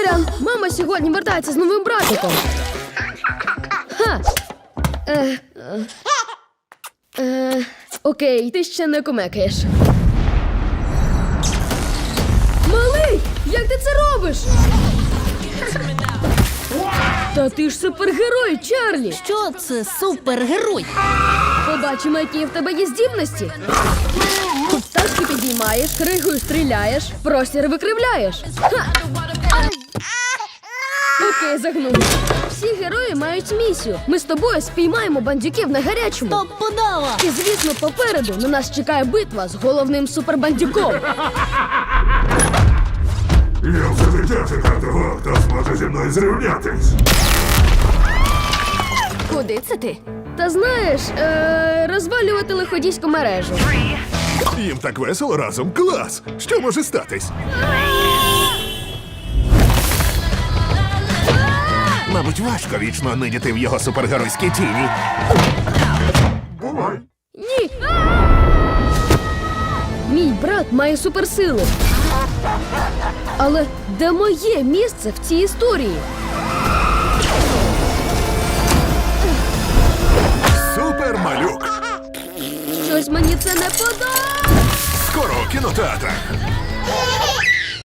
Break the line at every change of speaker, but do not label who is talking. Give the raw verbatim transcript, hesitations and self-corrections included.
Сорян, мама сьогодні вертається з новим братиком. Ха. Е, е, е, окей, ти ще не кумекаєш. Малий, як ти це робиш? Та ти ж супергерой, Чарлі!
Що це супергерой?
Побачимо, які в тебе є здібності. Тачки підіймаєш, кригою стріляєш, простір викривляєш. Ха! Окей, загнув. Всі герої мають місію. Ми з тобою спіймаємо бандюків на гарячому.
Топ подава!
І, звісно, попереду на нас чекає битва з головним супербандюком.
Я вже життя чекав того, хто зможе зі мною зрівнятись.
Куди це ти?
Та знаєш, е- розвалювати лиходійську мережу.
Їм так весело разом. Клас! Що може статись? Мабуть, важко вічно нидіти в його супергеройській тіні. Бувай!
Ні! Мій брат має суперсили. Але де моє місце в цій історії?
Супермалюк!
Щось мені це не подобається.
Скоро у кінотеатрах!